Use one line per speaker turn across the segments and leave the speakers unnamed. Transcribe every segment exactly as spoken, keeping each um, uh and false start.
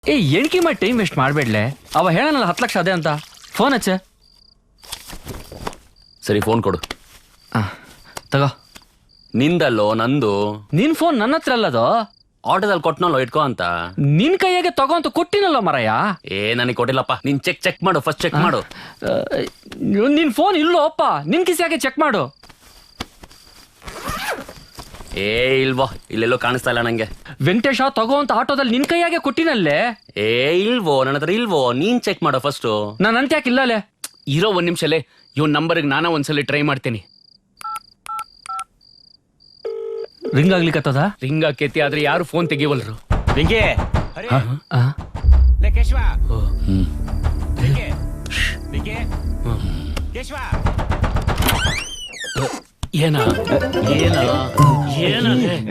ಏ ಎಣ್ಕಿ ಮಾಡಿ time waste ಮಾಡ್ಬೇಡ್ಲೆ. ಅವ ಹೇಳನಲ್ಲ ಹತ್ತು ಲಕ್ಷ ಅದೇ ಅಂತ. ಫೋನ್ ಹಚ್ಚ.
ಸರಿ ಫೋನ್ ಕೊಡು.
ತಗೋ.
ನಿಂದಲ್ಲೋ ನಂದು.
ನಿನ್ ಫೋನ್ ನನ್ನ ಹತ್ರ ಅಲ್ಲದು.
ಆಟೋದಲ್ಲಿ ಕೊಟ್ನಲ್ಲೋ ಇಟ್ಕೋ ಅಂತ.
ನಿನ್ ಕೈಯಾಗೆ ತಗೋ ಅಂತ ಕೊಟ್ಟಿನಲ್ಲ ಮರಯ್ಯ.
ಏ ನನಗೆ ಕೊಟ್ಟಿಲ್ಲಪ್ಪ. ನೀನ್ ಚೆಕ್ ಚೆಕ್ ಮಾಡು, ಫಸ್ಟ್ ಚೆಕ್ ಮಾಡು.
ನಿನ್ ಫೋನ್ ಇಲ್ಲೋ ಅಪ್ಪ, ನಿನ್ ಕಿಸಿಯಾಗೆ ಚೆಕ್ ಮಾಡು.
ಏ ಇಲ್ವೋ, ಇಲ್ಲೆಲ್ಲೋ ಕಾಣಿಸ್ತಾ ಇಲ್ಲ ನಂಗೆ.
ವೆಂಕಟೇಶ ತಗೋ ಅಂತ ಆಟೋದಲ್ಲಿ ನಿನ್ ಕೈಯಾಗೆ ಕೊಟ್ಟಿನಲ್ಲೇ.
ಏ ಇಲ್ವೋ, ನನ್ನ ಹತ್ರ ಇಲ್ವೋ, ನೀನ್ ಚೆಕ್ ಮಾಡು ಫಸ್ಟ್.
ನಾನು ಅಂತ್ಯಾಕೆ ಇಲ್ಲಲೇ.
ಇರೋ ಒಂದ್ ನಿಮಿಷಲೇ, ಇವನ್ ನಂಬರ್ಗೆ ನಾನ ಒಂದ್ಸಲಿ ಟ್ರೈ ಮಾಡ್ತೀನಿ.
ರಿಂಗ್ ಆಗ್ಲಿಕ್ಕತ್ತದ.
ರಿಂಗ್ ಆಕೇತಿ, ಆದ್ರೆ ಯಾರು ಫೋನ್ ತೆಗಿವಲ್ರು.
ವೆಂಕಿ
ಏನ ಏನ ಏನ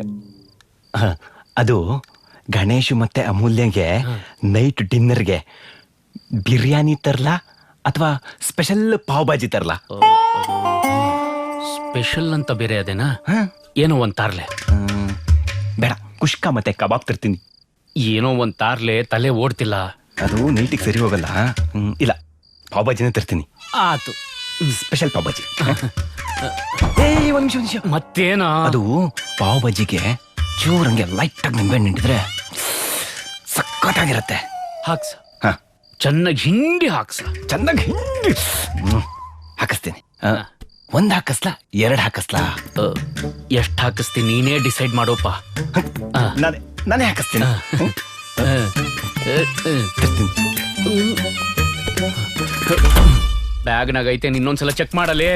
ಅದು ಗಣೇಶ್ ಮತ್ತೆ ಅಮೂಲ್ಯಗೆ ನೈಟ್ ಡಿನ್ನರ್ಗೆ ಬಿರಿಯಾನಿ ತರ್ಲಾ ಅಥವಾ ಸ್ಪೆಷಲ್ ಪಾವ್ ಬಾಜಿ ತರ್ಲಾ?
ಸ್ಪೆಷಲ್ ಅಂತ ಬೇರೆ ಅದೇನಾ? ಏನೋ ಒಂದ್ ತಾರ್ಲೆ.
ಬೇಡ, ಕುಷ್ಕ ಮತ್ತೆ ಕಬಾಬ್ ತರ್ತೀನಿ.
ಏನೋ ಒಂದ್ ತಾರ್ಲೆ, ತಲೆ ಓಡ್ತಿಲ್ಲ.
ಅದು ನೈಟಿಗೆ ಸರಿ ಹೋಗಲ್ಲ. ಇಲ್ಲ, ಪಾವ್ ಬಾಜಿನೇ ತರ್ತೀನಿ.
ಆತು,
ಸ್ಪೆಷಲ್ ಪಾವ್ ಬಾಜಿ. ಏ ಒಂದ್ ನಿಮಿಷ ನಿಮಿಷ
ಮತ್ತೇನ?
ಅದು ಪಾವ್ ಬಾಜಿಗೆ ಚೂರಂಗೆ ಲೈಟ್ ಆಗಿ ನಿಂಬೆ ನಿಂಟಿದ್ರೆ ಸಕ್ಕತ್ತಾಗಿರತ್ತೆ.
ಹಾಕ್ಸ,
ಹಾ
ಚೆನ್ನಾಗಿ ಹಿಂಡಿ ಹಾಕ್ಸ.
ಚೆನ್ನಾಗಿ ಹಾಕಿಸ್ತೀನಿ. ಒಂದ್ ಹಾಕಸ್ಲಾ ಎರಡ್ ಹಾಕಸ್ಲಾ?
ಎಷ್ಟ್ ಹಾಕಿಸ್ತೀನಿ ನೀನೇ ಡಿಸೈಡ್ ಮಾಡೋಪ್ಪ.
ನಾನೇ ನಾನೇ ಹಾಕಿಸ್ತೀನಿ.
ಬ್ಯಾಗ್ನಾಗ ಐತೆ, ಇನ್ನೊಂದ್ಸಲ ಚೆಕ್ ಮಾಡಲಿ.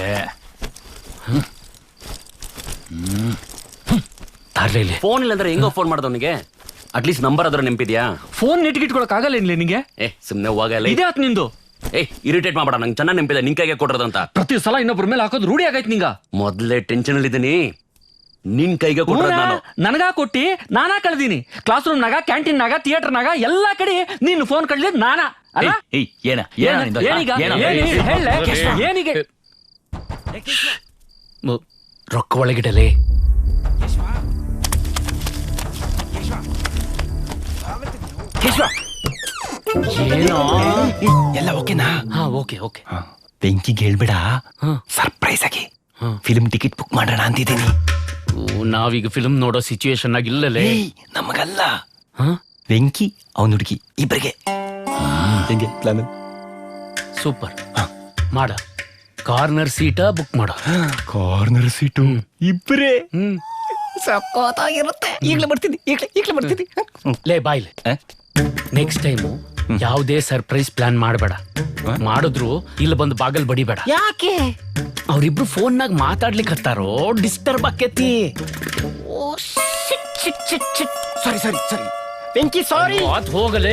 ಫೋನ್ ಇಲ್ಲ ಅಂದ್ರೆ ಹೆಂಗೋ ಫೋನ್ ಮಾಡೋದವನಿಗೆ? ಅಟ್ಲೀಸ್ಟ್ ನಂಬರ್ ಅದ್ರ ನೆನಪಿದ್ಯಾ?
ಫೋನ್ ನೆಟ್ಗಿಟ್ಕೊಳಕ್ ಆಗಲ್ಲ ಏನ್ಲಿ ನಿಂಗೆ?
ಏ ಸುಮ್ನೆ ಹೋಗಲ್ಲ.
ಇದೇ ಆತ್ ನಿಂದು.
ಏ ಇರಿಟೇಟ್ ಮಾಡಬೇಡ, ನಂಗೆ ಚೆನ್ನಾಗಿ ನೆನಪಿದೆ ನಿನ್ ಕೈಗೆ ಕೊಟ್ಟಿರೋದಂತ.
ಪ್ರತಿ ಸಲ ಇನ್ನೊಬ್ರ ಮೇಲೆ ಹಾಕೋದು ರೂಢಿ ಆಗೈತ್ ನಿಂಗ.
ಮೊದ್ಲೇ ಟೆನ್ಷನ್ ಅಲ್ಲಿ ಇದೀನಿ. ನಿನ್ ಕೈಗೆ ಕೊಟ್ಟಿರೋದು ನಾನು.
ನನಗಾ ಕೊಟ್ಟಿ ನಾನಾ ಕಳ್ದೀನಿ. ಕ್ಲಾಸ್ ರೂಮ್ ನಾಗ, ಕ್ಯಾಂಟೀನ್ ನಾಗ, ಥಿಯೇಟರ್ ನಾಗ ಎಲ್ಲಾ ಕಡೆ ನೀನ್ ಫೋನ್ ಕಳ್ದಿದ್ ನಾನಾ ಅಲ್ಲ?
ಏನ
ಏನಿಗೆ
ರೊಕ್ಕ ಒಳಗಿಡಲೇ. ಏನೋ
ಎಲ್ಲ ಓಕೆನಾ?
ಹಾ ಓಕೆ ಓಕೆ.
ಬೆಂಕಿಗೆ ಹೇಳ್ಬೇಡ, ಸರ್ಪ್ರೈಸ್ ಆಗಿ ಫಿಲ್ಮ್ ಟಿಕೆಟ್ ಬುಕ್ ಮಾಡೋಣ ಅಂತಿದ್ದೀನಿ.
ನಾವೀಗ ಫಿಲ್ಮ್ ನೋಡೋ ಸಿಚುವೇಶನ್ ಆಗಿಲ್ಲಲೇ.
ನಮಗಲ್ಲ, ಬೆಂಕಿ ಅವನ ಹುಡುಗಿ ಇಬ್ಬರಿಗೆ. ಹೆಂಗೆ ಪ್ಲಾನ್?
ಸೂಪರ್ ಮಾಡ. ಕಾರ್ನರ್ ಸೀಟಾ ಬುಕ್ ಮಾಡ.
ಕಾರ್ನರ್ ಸೀಟು ಇಬ್ಬರೇ.
ಹ್ಮ್
ಸಕ್ಕತ್ತಾಗಿರುತ್ತೆ. ಈಗಲೇ ಬರ್ತೀನಿ, ಈಗಲೇ ಈಗಲೇ ಬರ್ತೀನಿ.
ಲೇ ಬಾಯ್ಲೆ, ನೆಕ್ಸ್ಟ್ ಟೈಮು ಯಾವುದೇ ಸರ್ಪ್ರೈಸ್ ಪ್ಲಾನ್ ಮಾಡಬೇಡ. ಮಾಡಿದ್ರು ಇಲ್ಲಿ ಬಂದು ಬಾಗಲ್ ಬಡಿಬೇಡ.
ಯಾಕೆ?
ಅವ್ರಿಬ್ರು ಫೋನ್ನಾಗ ಮಾತಾಡ್ಲಿಕ್ಕೆ ಹತ್ತಾರೋ, ಡಿಸ್ಟರ್ಬ್ ಆಕೇತಿ.
ಸಾರಿ ಸಾರಿ ಸಾರಿ ಬೆಂಕಿ, ಸಾರಿ.
ಅದ್ ಹೋಗಲೇ.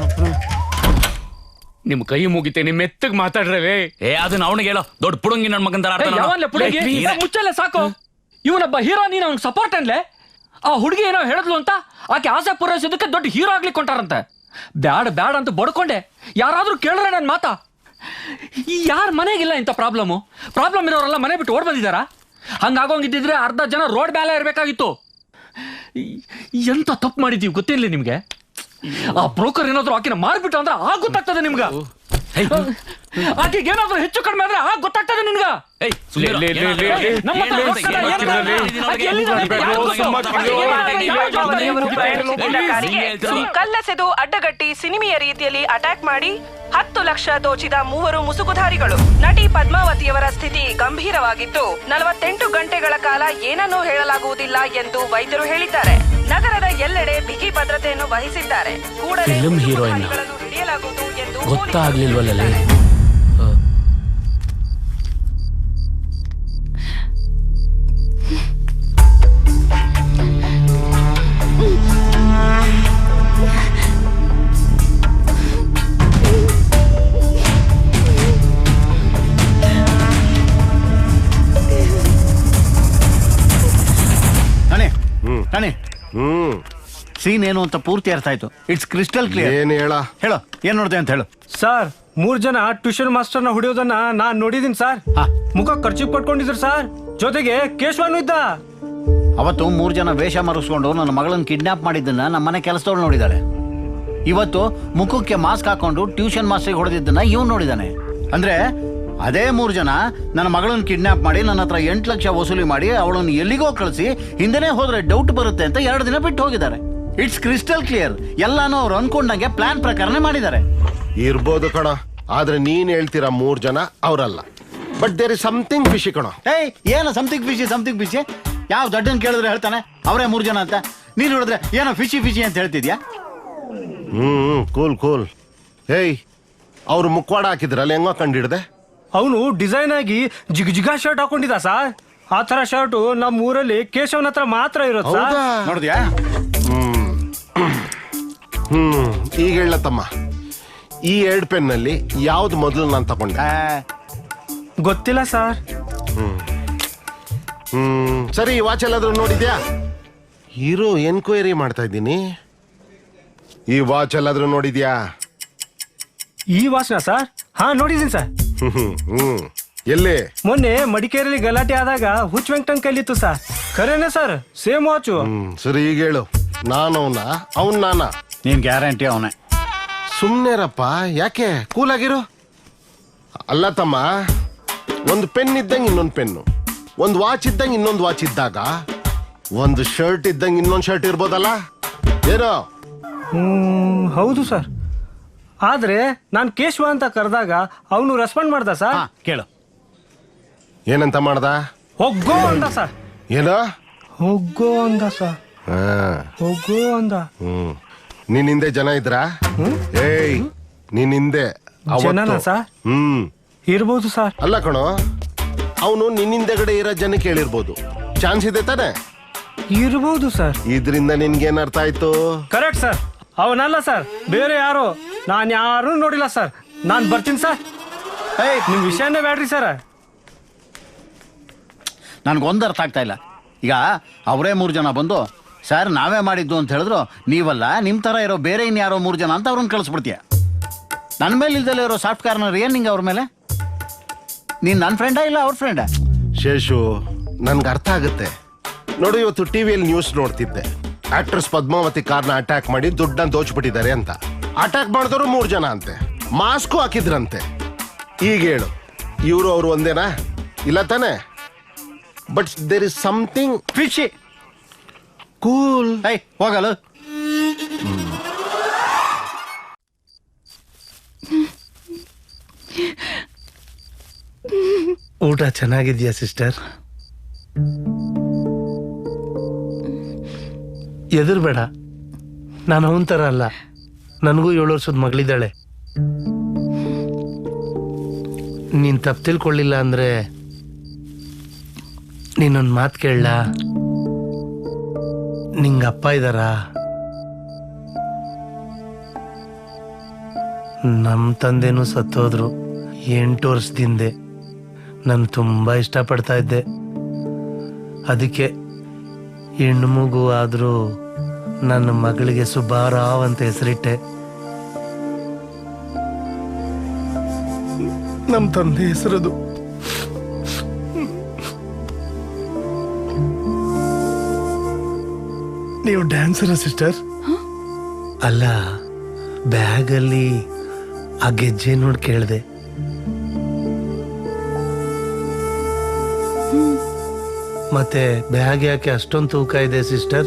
ನಿಮ್ ಕೈ ಮುಗಿತೆ, ನಿಮ್ ಮೆತ್ತಗ್ ಮಾತಾಡ್ರವೇ. ಏ ಅದನ್ನ ಅವನಿಗೆ ಹೇಳೋ, ದೊಡ್ಡ ಪುಡುಂಗಿ ನನ್ ಮಗಂತರ.
ಮುಚ್ಚಲ್ಲ ಸಾಕು. ಇವನೊಬ್ಬ ಹೀರೋ, ನೀನ್ ಅವ್ನಿಗೆ ಸಪೋರ್ಟ್ ಅನ್ಲೆ. ಆ ಹುಡುಗಿ ಏನೋ ಹೇಳಿದ್ಲು ಅಂತ ಆಕೆ ಆಸೆ ಪೂರೈಸೋದಕ್ಕೆ ದೊಡ್ಡ ಹೀರೋ ಆಗ್ಲಿಕ್ಕೆ ಕೊಂಟಾರಂತೆ. ಬ್ಯಾಡ ಬ್ಯಾಡ ಅಂತ ಬಡ್ಕೊಂಡೆ. ಯಾರಾದ್ರೂ ಕೇಳ್ರೆ ನನ್ ಮಾತಾ? ಯಾರ ಮನೆಗಿಲ್ಲ ಇಂಥ ಪ್ರಾಬ್ಲಮ್ಮು? ಪ್ರಾಬ್ಲಮ್ ಇರೋರೆಲ್ಲ ಮನೆ ಬಿಟ್ಟು ಓಡ್ ಬಂದಿದಾರ? ಹಂಗಾಗೋಂಗಿದ್ದಿದ್ರೆ ಅರ್ಧ ಜನ ರೋಡ್ ಮೇಲೆ ಇರ್ಬೇಕಾಗಿತ್ತು. ಎಂತ ತಪ್ಪು ಮಾಡಿದೀವಿ ಗೊತ್ತಿರ್ಲಿ ನಿಮ್ಗೆ? ಆ ಬ್ರೋಕರ್ ಏನಾದ್ರು ಆಕಿನ ಮಾರ್ಬಿಟ್ಟು ಅಂದ್ರೆ ಆಗ ಗೊತ್ತಾಗ್ತದೆ ನಿಮ್ಗ. ಆಕೆಗೆ ಏನಾದ್ರು ಹೆಚ್ಚು ಕಡಿಮೆ ಆದ್ರೆ ಆಗ ಗೊತ್ತಾಗ್ತದೆ ನಿನ್ಗ.
ಕಲ್ಲಸೆದು ಅಡ್ಡಗಟ್ಟಿ ಸಿನಿಮೆಯ ರೀತಿಯಲ್ಲಿ ಅಟ್ಯಾಕ್ ಮಾಡಿ ಹತ್ತು ಲಕ್ಷ ದೋಚಿದ ಮೂವರು ಮುಸುಕುಧಾರಿಗಳು. ನಟಿ ಪದ್ಮಾವತಿಯವರ ಸ್ಥಿತಿ ಗಂಭೀರವಾಗಿದ್ದು ನಲವತ್ತೆಂಟು ಗಂಟೆಗಳ ಕಾಲ ಏನನ್ನೂ ಹೇಳಲಾಗುವುದಿಲ್ಲ ಎಂದು ವೈದ್ಯರು ಹೇಳಿದ್ದಾರೆ. ನಗರದ ಎಲ್ಲೆಡೆ ಬಿಗಿ ಭದ್ರತೆಯನ್ನು ವಹಿಸಿದ್ದಾರೆ. ಕೂಡಲೇ ಹಿಡಿಯಲಾಗುವುದು ಎಂದು
ಗೊತ್ತಾಗ್ಲಿಲ್ವಲ್ಲೇ.
ಹ್ಮ್
ಸೀನ್ ಏನು ಅಂತ ಪೂರ್ತಿ ಅರ್ಥ ಆಯ್ತು. It's crystal clear.
ಏನ್ ಹೇಳ
ಹೇಳು, ಏನ್ ನೋಡ್ದೆ ಅಂತ ಹೇಳು.
ಸರ್, ಮೂರ್ ಜನ ಟ್ಯೂಷನ್ ಮಾಸ್ಟರ್ನ ಹೊಡೆಯೋದನ್ನ ನಾನ್ ನೋಡಿದೀನಿ ಸರ್. ಮುಖ ಖರ್ಚು ಪಟ್ಕೊಂಡಿದ್ರು ಸರ್. ಜೊತೆಗೆ ಕೇಶವನು ಇದ್ದ.
ಅವತ್ತು ಮೂರ್ ಜನ ವೇಷ ಮರೆಸ್ಕೊಂಡು ನನ್ನ ಮಗಳನ್ನ ಕಿಡ್ನಾಪ್ ಮಾಡಿದ್ದನ್ನ ನಮ್ಮ ಮನೆ ಕೆಲಸದವಳು ನೋಡಿದಾಳೆ. ಇವತ್ತು ಮುಖಕ್ಕೆ ಮಾಸ್ಕ್ ಹಾಕೊಂಡು ಟ್ಯೂಷನ್ ಮಾಸ್ಟರ್ಗೆ ಹೊಡೆದಿದ್ದನ್ನ ಇವ್ನು ನೋಡಿದಾನೆ. ಅಂದ್ರೆ ಅದೇ ಮೂರು ಜನ ನನ್ನ ಮಗಳನ್ನ ಕಿಡ್ನಾಪ್ ಮಾಡಿ ನನ್ನ ಹತ್ರ ಎಂಟು ಲಕ್ಷ ವಸೂಲಿ ಮಾಡಿ ಅವಳನ್ನು ಎಲ್ಲಿಗೋ ಕಳಿಸಿ ಹಿಂದೆನೇ ಹೋದ್ರೆ ಡೌಟ್ ಬರುತ್ತೆ ಅಂತ ಎರಡು ದಿನ ಬಿಟ್ಟು ಹೋಗಿದ್ದಾರೆ. It's crystal clear. ಎಲ್ಲಾನು ಅವ್ರು ಅನ್ಕೊಂಡಂಗೆ ಪ್ಲಾನ್ ಪ್ರಕಾರನೇ ಮಾಡಿದ್ದಾರೆ.
ಇರ್ಬೋದು ಕಣ, ಆದ್ರೆ ನೀನ್ ಹೇಳ್ತೀರಾ ಮೂರ್ ಜನ ಅವರಲ್ಲ. But there is something fishy ಕಣ.
ಏಯ್ ಏನೋ ಸಮಥಿಂಗ್ ಫಿಶಿ ಸಮಥಿಂಗ್ ಫಿಶಿ ಯಾವ ದೊಡ್ಡನ್ ಕೇಳಿದ್ರೆ ಹೇಳ್ತಾನೆ ಅವರೇ ಮೂರು ಜನ ಅಂತ. ನೀನ್ ನೋಡಿದ್ರೆ ಏನೋ ಫಿಶಿ ಫಿಶಿ ಅಂತ ಹೇಳ್ತಿದ್ಯಾ?
ಹ್ಮ್ ಕೂಲ್ ಕೂಲ್. ಏಯ್ ಅವ್ರು ಮುಖವಾಡ ಹಾಕಿದ್ರಲ್ಲ, ಹೆಂಗೋ ಕಂಡಿಡ್ದೆ?
ಅವನು ಡಿಸೈನ್ ಆಗಿ ಜಿಗ್ ಜಿಗಾ ಶರ್ಟ್ ಹಾಕೊಂಡಿದ್ದ ಸರ್. ಆ ತರ ಶರ್ಟ್ ನಮ್ಮ ಊರಲ್ಲಿ ಕೇಶವನ ಹತ್ರ ಮಾತ್ರ ಇರೋದು ಸರ್.
ಹೌದಾ?
ನೋಡಿದ್ಯಾ?
ಹ್ಮ್ ಹ್ಮ್ ಈಗ ಹೇಳ ತಮ್ಮ, ಈ ಎರಡ್ ಪೆನ್ ನಲ್ಲಿ ಯಾವ್ದು ಮೊದಲು ನಾನು ತಗೊಂಡೆ?
ಆ,
ಗೊತ್ತಿಲ್ಲ ಸರ್.
ಹ್ಮ್ ಸರಿ, ವಾಚ್ ಎಲ್ಲಾದ್ರೂ ನೋಡಿದ್ಯಾ? ಹೀರೋ ಎನ್ಕ್ವೈರಿ ಮಾಡ್ತಾ ಇದ್ದೀನಿ. ಈ ವಾಚ್ ಎಲ್ಲಾದ್ರೂ ನೋಡಿದ್ಯಾ?
ಈ ವಾಸನ ಸರ್? ಹಾ ನೋಡಿದೀನಿ ಸರ್.
ಹ್ಮ್ ಹ್ಮ್ ಎಲ್ಲಿ?
ಮೊನ್ನೆ ಮಡಿಕೇರಿಯಲ್ಲಿ ಗಲಾಟೆ ಆದಾಗ ಹುಚ್ಚ ವೆಂಕಟನ್ ಕೈಲಿತ್ತು ಸರ್. ಖರೇನೆ ಸರ್, ಸೇಮ್ ವಾಚು.
ಹ್ಮ್ ಸರಿ, ಈಗ ಹೇಳು, ನಾನು ಅವನ ಅವನ್ ನಾನ?
ನೀನ್ ಗ್ಯಾರಂಟಿ ಅವನೇ.
ಸುಮ್ನೆರಪ್ಪ, ಯಾಕೆ? ಕೂಲ್ ಆಗಿರು. ಅಲ್ಲ ತಮ್ಮ, ಒಂದು ಪೆನ್ ಇದ್ದಂಗೆ ಇನ್ನೊಂದು ಪೆನ್ನು, ಒಂದು ವಾಚ್ ಇದ್ದಂಗೆ ಇನ್ನೊಂದು ವಾಚ್ ಇದ್ದಾಗ ಒಂದು ಶರ್ಟ್ ಇದ್ದಂಗೆ ಇನ್ನೊಂದು ಶರ್ಟ್ ಇರ್ಬೋದಲ್ಲ? ಏನೋ?
ಹ್ಮ್ ಹೌದು ಸರ್. ಆದ್ರೆ ನಾನ್ ಕೇಶವ ಅಂತ ಕರೆದಾಗ ಅವನು ರೆಸ್ಪಾಂಡ್ ಮಾಡ್ದ ಸರ್.
ಹಾ ಕೇಳು.
ಏನಂತ ಮಾಡ್ದ?
ಹೋಗೋ ಅಂದ ಸರ್.
ಏನೋ?
ಹೋಗೋ ಅಂದ ಸರ್.
ಹಾ
ಹೋಗೋ ಅಂದ.
ಹ್ಮ್ ನಿನ್ ಹಿಂದೆ ಜನ ಇದ್ರಾ? ಏಯ್ ನಿನ್ ಹಿಂದೆ ಅವತ್ತು-
ಜನನಾ ಸರ್?
ಹ್ಮ್
ಇರ್ಬೋದು ಸರ್.
ಅಲ್ಲ ಕಣೋ, ಅವನು ನಿನ್ ಹಿಂದೆಗಡೆ ಇರೋ ಜನ ಕೇಳಿರ್ಬೋದು. ಚಾನ್ಸ್ ಇದೆ ತಾನೆ?
ಇರ್ಬೋದು ಸರ್.
ಇದ್ರಿಂದ ನಿನ್ಗೇನ್ ಅರ್ಥ ಆಯ್ತು?
Correct sir. ಅವನಲ್ಲ ಸರ್, ಬೇರೆ ಯಾರು. ನಾನ್ ಯಾರು ನೋಡಿಲ್ಲ ಸರ್. ನಾನ್ ಬರ್ತೀನಿ ಸರ್.
ಏಯ್
ನಿಮ್ ವಿಷಯನೇ ಬೇಡ್ರಿ ಸರ್.
ನನ್ಗೊಂದು ಅರ್ಥ ಆಗ್ತಾ ಇಲ್ಲ. ಈಗ ಅವರೇ ಮೂರು ಜನ ಬಂದು ಸರ್ ನಾವೇ ಮಾಡಿದ್ದು ಅಂತ ಹೇಳಿದ್ರು, ನೀವಲ್ಲ ನಿಮ್ ತರ ಇರೋ ಬೇರೆ ಇನ್ಯಾರೋ ಮೂರು ಜನ ಅಂತ ಅವ್ರನ್ನ ಕಳಿಸ್ಬಿಡ್ತೀಯ. ನನ್ನ ಮೇಲೆ ಇಲ್ದಲ್ಲೇ ಇರೋ ಸಾಫ್ಟ್ ಕಾರ್ನರ್ ಏನ್ ನಿಂಗೆ ಅವ್ರ ಮೇಲೆ? ನೀನ್ ನನ್ನ ಫ್ರೆಂಡಾ ಇಲ್ಲ ಅವ್ರ ಫ್ರೆಂಡಾ?
ಶೇಷು, ನನ್ಗೆ ಅರ್ಥ ಆಗುತ್ತೆ. ನೋಡು, ಇವತ್ತು ಟಿವಿಯಲ್ಲಿ ನ್ಯೂಸ್ ನೋಡ್ತಿದ್ದೆ. ಆಕ್ಟ್ರೆಸ್ ಪದ್ಮಾವತಿ ಕಾರ್ನ ಅಟ್ಯಾಕ್ ಮಾಡಿ ದುಡ್ಡನ್ನ ದೋಚ್ಬಿಟ್ಟಿದ್ದಾರೆ ಅಂತ. ಅಟ್ಯಾಕ್ ಮಾಡಿದವರು ಮೂರು ಜನ ಅಂತೆ, ಮಾಸ್ಕು ಹಾಕಿದ್ರಂತೆ. ಈಗ ಹೇಳು, ಇವರು ಅವರು ಒಂದೇನಾ? ಇಲ್ಲ ತಾನೆ? But there is something
fishy.
Cool.
ಏಯ್ ಹೋಗಲ್ಲ.
ಊಟ ಚೆನ್ನಾಗಿದ್ಯಾ ಸಿಸ್ಟರ್? ಎದುರ್ಬೇಡ, ನಾನು ಅವನ ಥರ ಅಲ್ಲ. ನನಗೂ ಏಳು ವರ್ಷದ ಮಗಳಿದ್ದಾಳೆ. ನೀನು ತಪ್ಪು ತಿಳ್ಕೊಳ್ಳಿಲ್ಲ ಅಂದರೆ ನೀನೊಂದು ಮಾತು ಕೇಳಲ್ಲ? ನಿಂಗೆ ಅಪ್ಪ ಇದ್ದಾರಾ? ನಮ್ಮ ತಂದೆನೂ ಸತ್ತೋದ್ರು ಎಂಟು ವರ್ಷದಿಂದೆ. ನಾನು ತುಂಬ ಇಷ್ಟಪಡ್ತಾ ಇದ್ದೆ. ಅದಕ್ಕೆ ಹೆಣ್ಣು ಮಗು ಆದರೂ ನನ್ನ ಮಗಳಿಗೆ ಸುಬ್ಬಾರಾವ್ ಅಂತ ಹೆಸರಿಟ್ಟೆ. ನಮ್ಮ ತಂದೆ ಹೆಸರದು. ನೀವು ಡ್ಯಾನ್ಸರ ಸಿಸ್ಟರ್? ಅಲ್ಲ, ಬ್ಯಾಗಲ್ಲಿ ಆ ಗೆಜ್ಜೆ ನೋಡಿ ಕೇಳಿದೆ. ಮತ್ತೆ ಬ್ಯಾಗ್ ಯಾಕೆ ಅಷ್ಟೊಂದು ತೂಕ ಇದೆ ಸಿಸ್ಟರ್?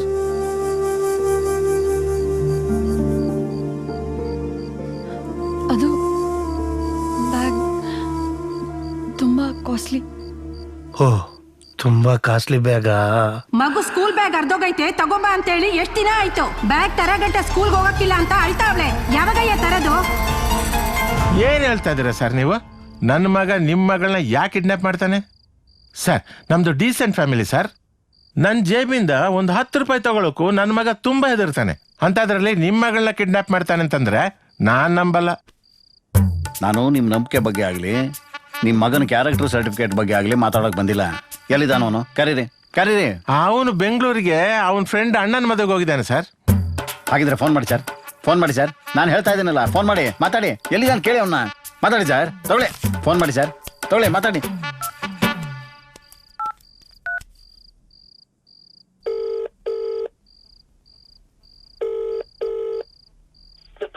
ಅದು ಬ್ಯಾಗ್ ತುಂಬಾ ಕಾಸ್ಟ್ಲಿ.
ಓ, ತುಂಬಾ ಕಾಸ್ಟ್ಲಿ ಬ್ಯಾಗಾ?
ಮಗು ಸ್ಕೂಲ್ ಬ್ಯಾಗ್ ಅರ್ಧೋಗೈತೆ ತಗೊಂಬ ಅಂತ ಹೇಳಿ ಎಷ್ಟ್ ದಿನ ಆಯ್ತು. ಬ್ಯಾಗ್ ತರಗಂಟ ಸ್ಕೂಲ್ಗೆ ಹೋಗಕ್ಕಿಲ್ಲ ಅಂತ ಅಳ್ತಾವ್ಳೆ. ಯಾವಾಗಯ್ಯ ತರದು?
ಏನ್ ಹೇಳ್ತಾ ಇದೀರ ಸರ್ ನೀವು? ನನ್ನ ಮಗ ನಿಮ್ಮ ಮಗಳನ್ನ ಯಾಕೆ ಕಿಡ್ನಾಪ್ ಮಾಡ್ತಾನೆ ಸರ್? ನಮ್ದು ಡೀಸೆಂಟ್ ಫ್ಯಾಮಿಲಿ ಸರ್. ನನ್ನ ಜೇಬಿಂದ ಒಂದು ಹತ್ತು ರೂಪಾಯಿ ತಗೊಳಕ್ಕೂ ನನ್ನ ಮಗ ತುಂಬಾ ಹೆದರ್ತಾನೆ. ಅಂತದ್ರಲ್ಲಿ ನಿಮ್ಮ ಮಗಳನ್ನ ಕಿಡ್ನಾಪ್ ಮಾಡ್ತಾನೆ ಅಂತಂದ್ರೆ ನಾನ್ ನಂಬಲ್ಲ.
ನಾನು ನಿಮ್ಮ ನಂಬಿಕೆ ಬಗ್ಗೆ ಆಗಲಿ ನಿಮ್ಮ ಮಗನ ಕ್ಯಾರೆಕ್ಟರ್ ಸರ್ಟಿಫಿಕೇಟ್ ಬಗ್ಗೆ ಆಗಲಿ ಮಾತಾಡೋಕೆ ಬಂದಿಲ್ಲ. ಎಲ್ಲಿದ್ದಾನವನು? ಕರೀರಿ ಕರೀರಿ.
ಅವನು ಬೆಂಗಳೂರಿಗೆ ಅವನ ಫ್ರೆಂಡ್ ಅಣ್ಣನ ಮದುವೆಗೆ ಹೋಗಿದ್ದಾನೆ ಸರ್.
ಹಾಗಿದ್ರೆ ಫೋನ್ ಮಾಡಿ ಸರ್, ಫೋನ್ ಮಾಡಿ ಸರ್. ನಾನು ಹೇಳ್ತಾ ಇದ್ದೀನಲ್ಲ, ಫೋನ್ ಮಾಡಿ ಮಾತಾಡಿ. ಎಲ್ಲಿದ್ದಾನೆ ಕೇಳಿ ಅವನ್ನ. ಮಾತಾಡಿ ಸರ್, ತಗೊಳ್ಳಿ ಫೋನ್ ಮಾಡಿ ಸರ್, ತಗೊಳ್ಳಿ ಮಾತಾಡಿ.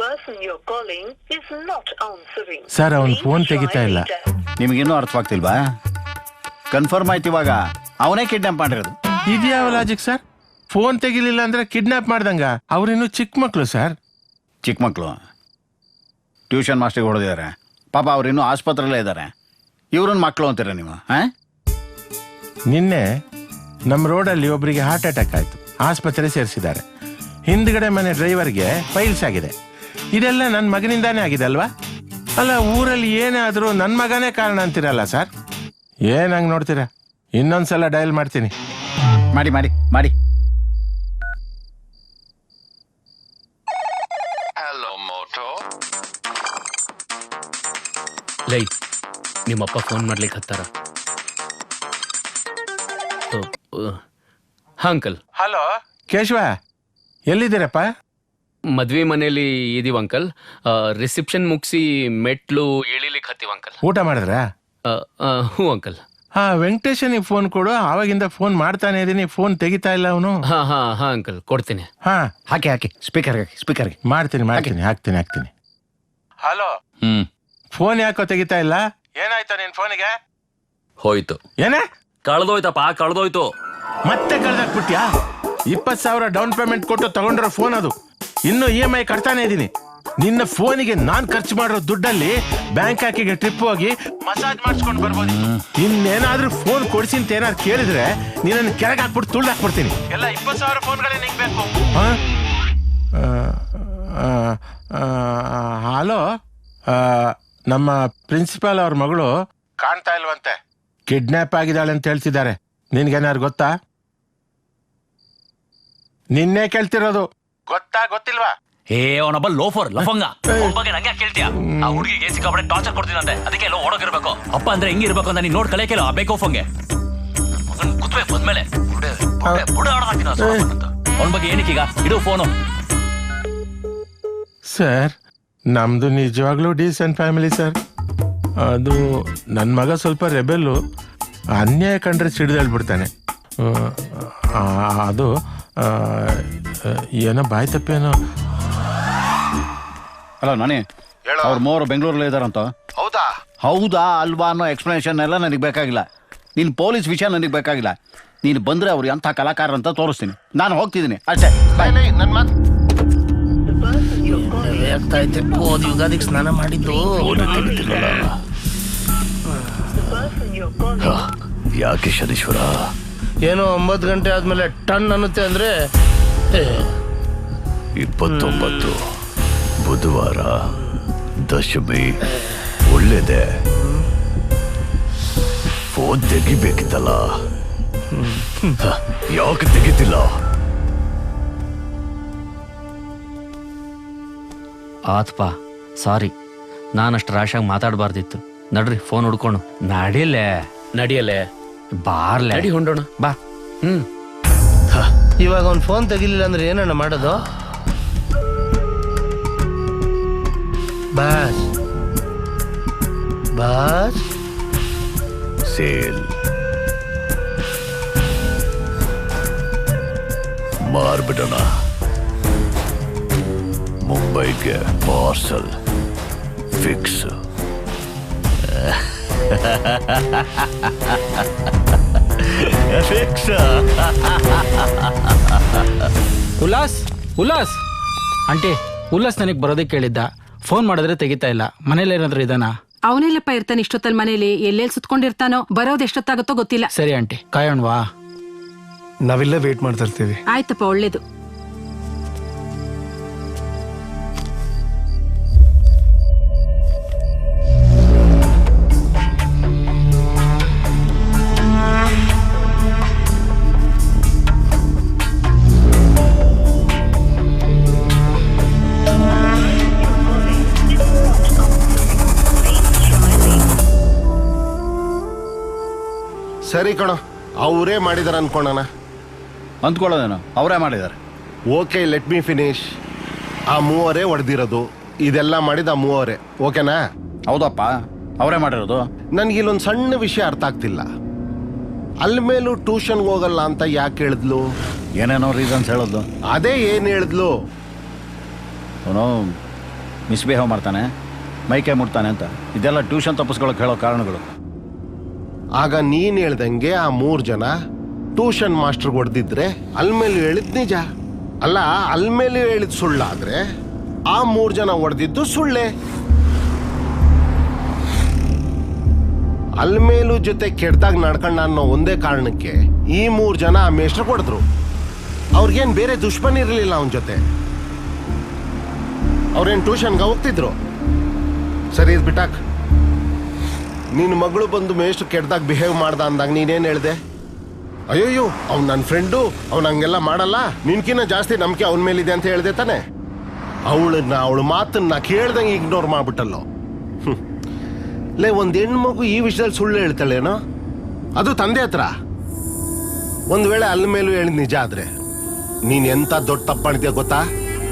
ಸರ್ ಅವನ್ ಫೋನ್ ತೆಗಿತಾ ಇಲ್ಲ.
ನಿಮಗಿನ್ನೂ ಅರ್ಥವಾಗ್ತಿಲ್ವಾ? ಕನ್ಫರ್ಮ್ ಆಯ್ತು ಇವಾಗ, ಅವನೇ ಕಿಡ್ನಾಪ್ ಮಾಡಿರೋದು.
ಇದ್ಯಾವ ಲಾಜಿಕ್ ಸರ್? ಫೋನ್ ತೆಗಿಲಿಲ್ಲ ಅಂದ್ರೆ ಕಿಡ್ನಾಪ್ ಮಾಡ್ದಂಗ? ಅವ್ರಿನ್ನೂ ಚಿಕ್ಕ ಮಕ್ಳು ಸರ್.
ಚಿಕ್ಕ ಮಕ್ಕಳು ಟ್ಯೂಷನ್ ಮಾಸ್ಟರ್ಗೆ ಹೊಡೆದಿದ್ದಾರೆ ಪಾಪ, ಅವ್ರಿನ್ನೂ ಆಸ್ಪತ್ರೆಯಲ್ಲೇ ಇದ್ದಾರೆ. ಇವ್ರನ್ನ ಮಕ್ಕಳು ಅಂತೀರ ನೀವು? ಹಾಂ,
ನಿನ್ನೆ ನಮ್ಮ ರೋಡಲ್ಲಿ ಒಬ್ಬರಿಗೆ ಹಾರ್ಟ್ ಅಟ್ಯಾಕ್ ಆಯಿತು, ಆಸ್ಪತ್ರೆ ಸೇರಿಸಿದ್ದಾರೆ. ಹಿಂದ್ಗಡೆ ಮನೆ ಡ್ರೈವರ್ಗೆ ಫೈಲ್ಸ್ ಆಗಿದೆ. ಇದೆಲ್ಲ ನನ್ನ ಮಗನಿಂದಾನೇ ಆಗಿದೆ ಅಲ್ವಾ? ಅಲ್ಲ, ಊರಲ್ಲಿ ಏನೇ ಆದರೂ ನನ್ನ ಮಗನೇ ಕಾರಣ ಅಂತೀರಲ್ಲ ಸರ್? ಏನ್ ಹಂಗೆ ನೋಡ್ತೀರಾ? ಇನ್ನೊಂದ್ಸಲ ಡಯಲ್ ಮಾಡ್ತೀನಿ.
ಮಾಡಿ ಮಾಡಿ ಮಾಡಿ.
ಲೈ, ನಿಮ್ಮಪ್ಪ ಫೋನ್ ಮಾಡ್ಲಿಕ್ಕೆ ಹತ್ತಾರ. ಹಾ ಅಂಕಲ್.
ಹಲೋ ಕೇಶವ, ಎಲ್ಲಿದ್ದೀರಪ್ಪ?
ಮದ್ವೆ ಮನೇಲಿ ಇದೀವ ಅಂಕಲ್. ರಿಸೆಪ್ಷನ್ ಮುಗಿಸಿ ಮೆಟ್ಲು ಇಳಿಲಿಕ್ಕೆ ಹತ್ತೀವ ಅಂಕಲ್.
ಊಟ ಮಾಡಿದ್ರಾ?
ಹ್ಞೂ ಅಂಕಲ್.
ಹಾ, ವೆಂಕಟೇಶನಿಗೆ ಫೋನ್ ಕೊಡು. ಆವಾಗಿಂದ ಫೋನ್ ಮಾಡ್ತಾನೆ ಇದೀನಿ, ಫೋನ್ ತೆಗಿತಾ ಇಲ್ಲ ಅವನು.
ಹಾ ಹಾ ಹಾ ಅಂಕಲ್, ಕೊಡ್ತೀನಿ.
ಹಾ,
ಹಾಕಿ ಹಾಕಿ ಸ್ಪೀಕರ್ಗೆ ಹಾಕಿ ಸ್ಪೀಕರ್ಗೆ.
ಮಾಡ್ತೀನಿ ಮಾಡ್ತೀನಿ ಹಾಕ್ತೀನಿ ಹಾಕ್ತೀನಿ. ಹಲೋ,
ಹ್ಮ್
ಫೋನ್ ಯಾಕೋ ತೆಗಿತಾ ಇಲ್ಲ? ಏನಾಯ್ತು ನಿನ್ ಫೋನಿಗೆ?
ಹೋಯ್ತು.
ಏನೇ
ಕಳ್ದೋಯ್ತಪ್ಪ, ಕಳ್ದೋಯ್ತು.
ಮತ್ತೆ ಕಳ್ದಾಕ್ಬಿಟ್ಯಾ? ಇಪ್ಪತ್ ಸಾವಿರ ಡೌನ್ ಪೇಮೆಂಟ್ ಕೊಟ್ಟು ತಗೊಂಡಿರೋ ಫೋನ್ ಅದು. ಇನ್ನು ಇ ಎಂ ಐ ಕಟ್ತಾನೆ ಇದೀನಿ. ನಿನ್ನ ಫೋನಿಗೆ ನಾನ್ ಖರ್ಚು ಮಾಡಿರೋ ದುಡ್ಡಲ್ಲಿ ಬ್ಯಾಂಕ್ ಹಾಕಿಗೆ ಟ್ರಿಪ್ ಹೋಗಿ ಮಸಾಜ್ ಮಾಡಿಸ್ಕೊಂಡು ಬರ್ಬೋದು. ಇನ್ನೇನಾದ್ರೂ ಫೋನ್ ಕೊಡ್ಸಿ ಅಂತ ಏನಾದ್ರು ಕೇಳಿದ್ರೆ ನೀನನ್ನು ಕೆಳಗೆ ಹಾಕ್ಬಿಟ್ಟು ತುಳ್ದು ಹಾಕ್ಬಿಡ್ತೀನಿ. ಎಲ್ಲ ಇಪ್ಪತ್ತು ಸಾವಿರ ಫೋನ್ಗಳೇ ನಿಂಗೆ ಬೇಕು? ಹಲೋ, ನಮ್ಮ ಪ್ರಿನ್ಸಿಪಾಲ್ ಅವ್ರ ಮಗಳು ಕಾಣ್ತಾ ಇಲ್ವಂತೆ, ಕಿಡ್ನಾಪ್ ಆಗಿದ್ದಾಳೆ ಅಂತ ಹೇಳ್ತಿದ್ದಾರೆ. ನಿನ್ಗೇನಾರು ಗೊತ್ತಾ? ನಿನ್ನೆ ಕೇಳ್ತಿರೋದು. ಗೊತ್ತಾ ಗೊತ್ತಿಲ್ವಾ?
ಏ ಅವನೊಬ್ಬ ಲೋಫರ್ ಲಫಂಗ. ಅವ್ನ್ ಬಗ್ಗೆ ನಂಗೆ ಕೇಳ್ತೀಯ? ಆ ಹುಡುಗಿಗೆ ಸಿಕ್ಕಾಪಟ್ಟೆ ಟಾರ್ಚರ್ ಕೊಡ್ತೀನಂತೆ, ಅದಕ್ಕೆ ಎಲ್ಲ ಓಡೋಗಿರ್ಬೇಕು. ಅಪ್ಪ ಅಂದ್ರೆ ಹೆಂಗಿರ್ಬೇಕು ಅಂತ ನೀನ್ ನೋಡ್ ಕಲಿಯಕ್ಕೆ ಆ ಬೇಕೋಫಂಗೆ ಕುತ್ಬೇಕು ಬಂದ್ಮೇಲೆ ಬುಡ ಆಡೋದಾಕಿನ ಅವನ ಬಗ್ಗೆ ಏನಕ್ಕೀಗ ಇಡು ಫೋನು.
ಸರ್, ನಮ್ದು ನಿಜವಾಗ್ಲೂ ಡೀಸೆಂಟ್ ಫ್ಯಾಮಿಲಿ ಸರ್. ಅದು ನನ್ನ ಮಗ ಸ್ವಲ್ಪ ರೆಬೆಲ್ಲು, ಅನ್ಯಾಯ ಕಂಡ್ರೆ ಸಿಡಿದೇಳ್ಬಿಡ್ತಾನೆ. ಅದು ಏನೋ ಬಾಯ್ ತಪ್ಪೇನೋ.
ಅಲ್ಲ ನಾನೇ, ಅವ್ರ ಮೂವರು ಬೆಂಗಳೂರಲ್ಲಿ ಇದಾರಂತ.
ಹೌದಾ?
ಹೌದಾ ಅಲ್ವಾ ಅನ್ನೋ ಎಕ್ಸ್ಪ್ಲನೇಷನ್ ಎಲ್ಲ ನನಗೆ ಬೇಕಾಗಿಲ್ಲ. ನೀನು ಪೊಲೀಸ್ ವಿಷಯ ನನಗೆ ಬೇಕಾಗಿಲ್ಲ. ನೀನು ಬಂದರೆ ಅವ್ರು ಎಂಥ ಕಲಾಕಾರ ಅಂತ ತೋರಿಸ್ತೀನಿ. ನಾನು ಹೋಗ್ತಿದ್ದೀನಿ ಅಷ್ಟೇ.
ನನ್ನ ಮಾತು
ಆಗ್ತಾಯಿದ್ದೆ. ಹೋದ ಯುಗಾದಿಗೆ ಸ್ನಾನ ಮಾಡಿದ್ದು
ಯಾಕೆ ಶನೀಶ್ವರ?
ಏನೋ ಒಂಬತ್ತು ಗಂಟೆ ಆದ್ಮೇಲೆ ಟನ್ ಅನ್ನುತ್ತೆ ಅಂದ್ರೆ.
ಇಪ್ಪತ್ತೊಂಬತ್ತು ಬುಧವಾರ, ದಶಮಿ. ಒಳ್ಳೇದೆ, ಫೋನ್ ತೆಗಿಬೇಕಿತ್ತಲ್ಲ, ಯಾಕೆ ತೆಗಿತಿಲ್ಲ?
ಆತ್ಪಾ, ಸಾರಿ, ನಾನಷ್ಟು ರಾಶಾಗಿ ಮಾತಾಡಬಾರ್ದಿತ್ತು. ನಡ್ರಿ ಫೋನ್ ಹುಡ್ಕೊಂಡು. ನಡಿಲೆ ನಡಿಯಲೆ ಬಾರ್ಲೆ ನಡಿ ಹೊಂಡೋಣ ಬಾ. ಹ್ಮ್,
ಇವಾಗ ಅವ್ನು ಫೋನ್ ತೆಗಿಲಿಲ್ಲ ಅಂದ್ರೆ ಏನಣ್ಣ ಮಾಡೋದು? ಬಾಸ್ ಬಾಸ್
ಸೇಲ್ ಮಾರ್ಬಿಡೋಣ. ಮುಂಬೈಗೆ parcel fix. Fix.
Ullas Ullas aunty, Ullas ನನಗೆ ಬರೋದಕ್ಕೆ ಕೇಳಿದ್ದ. ಫೋನ್ ಮಾಡಿದ್ರೆ ತೆಗಿತಾ ಇಲ್ಲ. ಮನೇಲಿ ಏನಾದ್ರು ಇದಾನ?
ಅವನೆಲ್ಲಪ್ಪ ಇರ್ತಾನೆ ಇಷ್ಟೊತ್ತಲ್ಲಿ ಮನೇಲಿ. ಎಲ್ಲೆಲ್ಲಿ ಸುತ್ಕೊಂಡಿರ್ತಾನೋ, ಬರೋದು ಎಷ್ಟೊತ್ತಾಗುತ್ತೋ ಗೊತ್ತಿಲ್ಲ.
ಸರಿ ಆಂಟಿ, ಕಾಯೋಣವಾ?
ನಾವೆಲ್ಲ ವೇಟ್ ಮಾಡ್ತಾ ಇರ್ತೀವಿ.
ಆಯ್ತಪ್ಪ, ಒಳ್ಳೇದು.
ಸರಿ ಕಣೋ, ಅವರೇ ಮಾಡಿದಾರೆ ಅನ್ಕೊಳ್ಳೋಣ.
ಅಂದ್ಕೊಳ್ಳೋದೇನೋ, ಅವರೇ ಮಾಡಿದ್ದಾರೆ.
Okay, let me finish. ಆ ಮೂವರೇ ಹೊಡೆದಿರೋದು, ಇದೆಲ್ಲ ಮಾಡಿದ ಆ ಮೂವರೇ. ಓಕೆನಾ?
ಹೌದಪ್ಪ, ಅವರೇ ಮಾಡಿರೋದು.
ನನ್ಗಿಲ್ಲೊಂದು ಸಣ್ಣ ವಿಷಯ ಅರ್ಥ ಆಗ್ತಿಲ್ಲ. ಅಲ್ಲಿ ಮೇಲೂ ಟ್ಯೂಷನ್ಗೆ ಹೋಗಲ್ಲ ಅಂತ ಯಾಕೆ ಹೇಳಿದ್ಲು?
ಏನೇನೋ ರೀಸನ್ಸ್ ಹೇಳೋದು.
ಅದೇ ಏನು ಹೇಳಿದ್ಲು?
ಅವನು ಮಿಸ್ಬಿಹೇವ್ ಮಾಡ್ತಾನೆ, ಮೈಕೈ ಮುಟ್ತಾನೆ ಅಂತ ಇದೆಲ್ಲ ಟ್ಯೂಷನ್ ತಪ್ಪಿಸ್ಕೊಳಕ್ಕೆ ಹೇಳೋ ಕಾರಣಗಳು.
ಆಗ ನೀನ್ ಹೇಳ್ದಂಗೆ ಆ ಮೂರ್ ಜನ ಟ್ಯೂಷನ್ ಮಾಸ್ಟರ್ ಹೊಡೆದಿದ್ರೆ ಅಲ್ಮೇಲೂ ಹೇಳಿದ್ ನಿಜ ಅಲ್ಲ, ಅಲ್ಮೇಲೂ ಹೇಳಿದ್ ಸುಳ್ಳಾದ್ರೆ ಆ ಮೂರ್ ಜನ ಹೊಡೆದಿದ್ದು ಸುಳ್ಳೆ. ಅಲ್ಮೇಲೂ ಜೊತೆ ಕೆಡ್ದಾಗ ನಡ್ಕೊಂಡ ಅನ್ನೋ ಒಂದೇ ಕಾರಣಕ್ಕೆ ಈ ಮೂರ್ ಜನ ಆ ಮೇಷ್ಟ್ರು ಹೊಡೆದ್ರು. ಅವ್ರಿಗೇನ್ ಬೇರೆ ದುಶ್ಮನ್ ಇರಲಿಲ್ಲ ಅವನ ಜೊತೆ. ಅವ್ರೇನ್ ಟ್ಯೂಷನ್ಗೆ ಹೋಗ್ತಿದ್ರು. ಸರಿ ಇದು ಬಿಟ್ಟಾಕ್. ನಿನ್ನ ಮಗಳು ಬಂದು ಮೇಷ್ಟ್ರು ಕೆಡ್ದಾಗ ಬಿಹೇವ್ ಮಾಡ್ದ ಅಂದಾಗ ನೀನೇನ್ ಹೇಳ್ದೆ? ಅಯ್ಯೋಯ್ಯೋ ಅವ್ನು ನನ್ನ ಫ್ರೆಂಡು, ಅವ್ನು ಹಂಗೆಲ್ಲ ಮಾಡಲ್ಲ, ನಿನ್ಕಿನ್ನ ಜಾಸ್ತಿ ನಂಬಿಕೆ ಅವನ ಮೇಲಿದೆ ಅಂತ ಹೇಳ್ದೆ ತಾನೆ. ಅವಳನ್ನ ಅವಳ ಮಾತನ್ನ ಕೇಳ್ದಂಗೆ ಇಗ್ನೋರ್ ಮಾಡ್ಬಿಟ್ಟಲ್ಲೋ. ಲೇ, ಒಂದ್ ಹೆಣ್ಮಗು ಈ ವಿಷಯದಲ್ಲಿ ಸುಳ್ಳು ಹೇಳ್ತಾಳೇನೋ, ಅದು ತಂದೆ ಹತ್ರ. ಒಂದ್ ವೇಳೆ ಅಲ್ಲ ಮೇಲೂ ಹೇಳಿದ್ ನಿಜ ಆದ್ರೆ ನೀನ್ ಎಂತ ದೊಡ್ಡ ತಪ್ಪು ಮಾಡಿದ್ಯಾ ಗೊತ್ತಾ?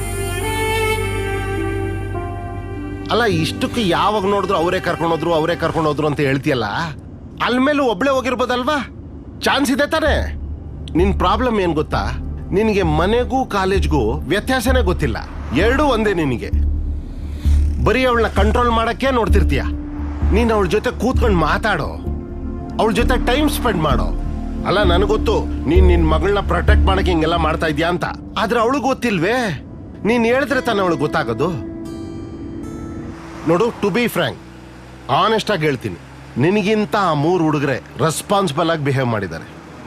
ಅಲ್ಲ, ಇಷ್ಟಕ್ಕೆ ಯಾವಾಗ ನೋಡಿದ್ರು ಅವರೇ ಕರ್ಕೊಂಡೋದ್ರು ಅವರೇ ಕರ್ಕೊಂಡೋದ್ರು ಅಂತ ಹೇಳ್ತೀಯಲ್ಲ, ಅಲ್ ಮೇಲೂ ಒಬ್ಳೆ ಹೋಗಿರ್ಬೋದಲ್ವಾ? ಚಾನ್ಸ್ ಇದೆ ತಾನೆ. ನಿನ್ ಪ್ರಾಬ್ಲಮ್ ಏನ್ ಗೊತ್ತಾ? ನಿನಗೆ ಮನೆಗೂ ಕಾಲೇಜ್ಗೂ ವ್ಯತ್ಯಾಸನೇ ಗೊತ್ತಿಲ್ಲ. ಎರಡೂ ಒಂದೇ ನಿನಗೆ. ಬರೀ ಅವಳನ್ನ ಕಂಟ್ರೋಲ್ ಮಾಡಕ್ಕೆ ನೋಡ್ತಿರ್ತೀಯ. ನೀನ್ ಅವಳ ಜೊತೆ ಕೂತ್ಕೊಂಡು ಮಾತಾಡೋ, ಅವಳ ಜೊತೆ ಟೈಮ್ ಸ್ಪೆಂಡ್ ಮಾಡೋ. ಅಲ್ಲ, ನನಗೊತ್ತು ನೀನ್ ನಿನ್ ಮಗಳನ್ನ ಪ್ರೊಟೆಕ್ಟ್ ಮಾಡಕ್ಕೆ ಹಿಂಗೆಲ್ಲ ಮಾಡ್ತಾ ಇದ್ಯಾ ಅಂತ. ಆದ್ರೆ ಅವಳು ಗೊತ್ತಿಲ್ವೇ? ನೀನ್ ಹೇಳಿದ್ರೆ ತಾನೆ ಅವಳಿಗೆ ಗೊತ್ತಾಗೋದು. ನೋಡು, ಟು ಬಿ ಫ್ರ್ಯಾಂಕ್, ಆನೆಸ್ಟ್ ಆಗಿ ಹೇಳ್ತೀನಿ, ನಿನಗಿಂತ ಆ ಮೂರು ಹುಡುಗರೆ ರೆಸ್ಪಾನ್ಸಿಬಲ್ ಆಗಿ ಬಿಹೇವ್ ಮಾಡಿದ್ದಾರೆ.